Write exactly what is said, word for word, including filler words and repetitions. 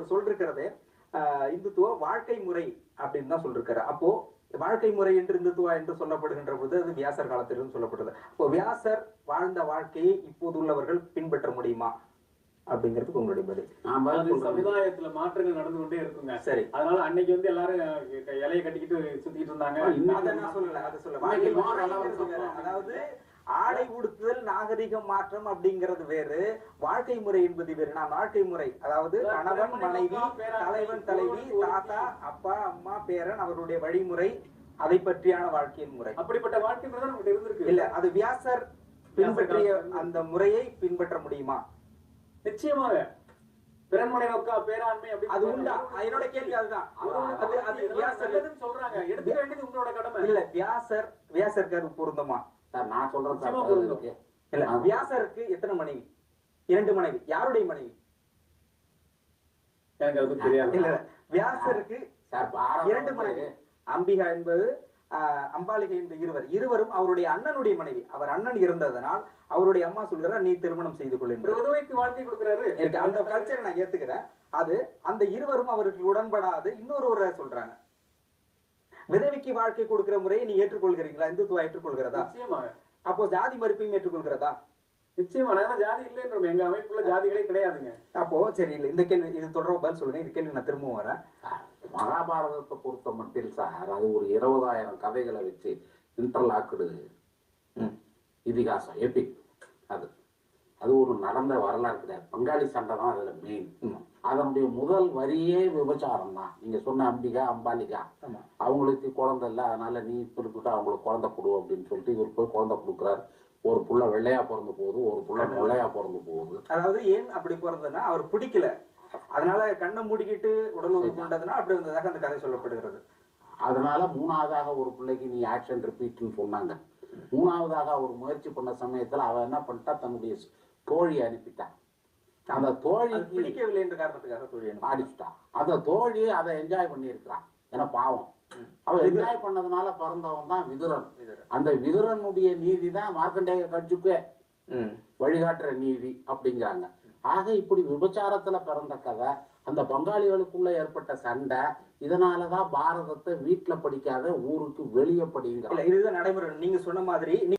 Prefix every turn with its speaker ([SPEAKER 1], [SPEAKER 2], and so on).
[SPEAKER 1] ஒரு சொல் இருக்கிறது, இந்துத்துவ வாழ்க்கை முறை அப்படின்னு தான் சொல்லிருக்காரு. அப்போ வாழ்க்கை முறை என்று இந்துத்துவா என்று சொல்லப்படுகின்ற போது அது வியாசர் காலத்திலிருந்து சொல்லப்படுது. அப்போ வியாசர் வாழ்ந்த வாழ்க்கையை இப்போது உள்ளவர்கள் பின்பற்ற முடியுமா அப்படிங்கிறதுக்கு உங்களுடைய பதில்.
[SPEAKER 2] சமுதாயத்துல மாற்றங்கள் நடந்து கொண்டே இருக்குங்க.
[SPEAKER 1] சரி,
[SPEAKER 2] அதனால அன்னைக்கு வந்து எல்லாரும் இலையை கட்டிக்கிட்டு சுத்திட்டு இருந்தாங்க.
[SPEAKER 1] அதை நான் சொல்லல, அதை சொல்ல. அதாவது ஆடை உடுத்துதல் நாகரிகம் மாற்றம் அப்படிங்கிறது வேறு, வாழ்க்கை முறை என்பது வேறு. நான் வாழ்க்கை முறை அதாவது கணவன் மனைவி, தலைவன் தலைவி, தாத்தா அப்பா அம்மா பேரன் அவருடைய வழிமுறை, அதை பற்றியான வாழ்க்கையின் முறை.
[SPEAKER 2] அப்படிப்பட்ட வாழ்க்கை முறை தான் நமக்கு இருந்திருக்கு.
[SPEAKER 1] இல்ல, அது வியாசர் பின்பற்றிய அந்த முறையை பின்பற்ற முடியுமா?
[SPEAKER 2] நிச்சயமாக. பிறன்மனை நோக்கா பேராண்மை
[SPEAKER 1] அது உண்டா? என்னோட கேள்வி அதுதான்.
[SPEAKER 2] அது வியாசர் சொல்றாங்க, எடுத்துக்க வேண்டியது உங்களோட கடமை.
[SPEAKER 1] இல்ல, வியாசர் வியாசருக்கு பொருந்தமா?
[SPEAKER 3] நான் சொல்றேன்.
[SPEAKER 1] இல்ல, வியாசருக்கு எத்தனை மனைவி? இரண்டு மனைவி. யாருடைய மனைவி?
[SPEAKER 2] எனக்கு அது தெரியாது.
[SPEAKER 1] இல்ல, வியாசருக்கு இரண்டு மனைவி. அம்பிகா என்பது அம்பாலிகை என்ற இருவர் இருவரும் அவருடைய அண்ணனுடைய மனைவி. அவர் அண்ணன் இருந்ததனால் அவருடைய அம்மா சொல்கிறார், நீ திருமணம் செய்து கொள் என்று
[SPEAKER 2] உதவிக்கு வாழ்க்கை கொடுக்கிறாரு.
[SPEAKER 1] அந்த கல்ச்சரை நான் ஏத்துக்கிறேன். அது அந்த இருவரும் அவருக்கு உடன்படாது இன்னொரு சொல்றாங்க, விதவிக்கு வாழ்க்கை கொடுக்கிற முறையை நீ ஏற்றுக்கொள்கிறீங்களா? இந்துத்துவா ஏற்றுக்கொள்கிறதா?
[SPEAKER 2] நிச்சயமாக.
[SPEAKER 1] அப்போ ஜாதி மறுப்பையும் ஏற்றுக்கொள்கிறதா?
[SPEAKER 2] நிச்சயமா. ஜாதி இல்லைன்றோம், எங்க அமைப்புல ஜாதிகளே கிடையாதுங்க.
[SPEAKER 1] அப்போ சரி, இல்லை, இந்த கேள்வி இது தொடர்பு பதில் சொல்லுங்க. இந்த கேள்வி நான் திரும்பவும் வரேன்.
[SPEAKER 3] மகாபாரதத்தை பொறுத்த மட்டும் சார், அது ஒரு இருபதாயிரம் கதைகளை வச்சு இன்டர்லாக்குடு இதிகாசம், எபிக். அது அது ஒரு நடந்த வரலாறு கிடையாது. பங்காளி சண்டை தான் அதுல மெயின். அதனுடைய முதல் வரியே விபச்சாரம் தான். நீங்க சொன்ன அம்பிகா அம்பாலிகா, அவங்களுக்கு குழந்தை இல்லை, அதனால நீ குறிப்பிட்டு அவங்களுக்கு குழந்தை கொடு அப்படின்னு சொல்லிட்டு இவர் போய் குழந்தை கொடுக்குறாரு. ஒரு புள்ள வெள்ளையா பிறந்து போகுது, ஒரு புள்ள வெள்ளையா பிறந்து போகுது.
[SPEAKER 1] அதாவது ஏன் அப்படி பிறந்ததுன்னா அவர் பிடிக்கல, அதனால கண்ணை மூடிக்கிட்டு உடல் உறுப்பு கொண்டதுன்னா அப்படி வந்ததாக அந்த கதை சொல்லப்படுகிறது.
[SPEAKER 3] அதனால மூணாவதாக ஒரு பிள்ளைக்கு நீ ஆக்ஷன் ரிப்பீட்னு சொன்னாங்க. மூணாவதாக அவர் முயற்சி பண்ண சமயத்துல அவன் என்ன பண்ணிட்டா, தன்னுடைய தோழி அனுப்பிட்டான். அந்த தோழி
[SPEAKER 1] பிடிக்கவில்லை என்ற காரணத்துக்காக தோழி
[SPEAKER 3] அடிச்சுட்டான். அந்த தோழி அதை என்ஜாய் பண்ணி இருக்கிறான். ஏன்னா பாவம், அவன் என்ஜாய் பண்ணதுனால பிறந்தவன் தான் விதுரன். அந்த விதுரனுடைய நீதி தான் மார்க்கண்டேய கட்சிக்கு வழிகாட்டுற நீதி அப்படிங்கிறாங்க. ஆக இப்படி விபச்சாரத்துல பிறந்த கதை, அந்த பங்காளிகளுக்குள்ள ஏற்பட்ட சண்டை, இதனாலதான் பாரதத்தை வீட்டுல படிக்காத ஊருக்கு வெளியே படிங்க.
[SPEAKER 1] இதுதான் நடைமுறை. நீங்க சொன்ன மாதிரி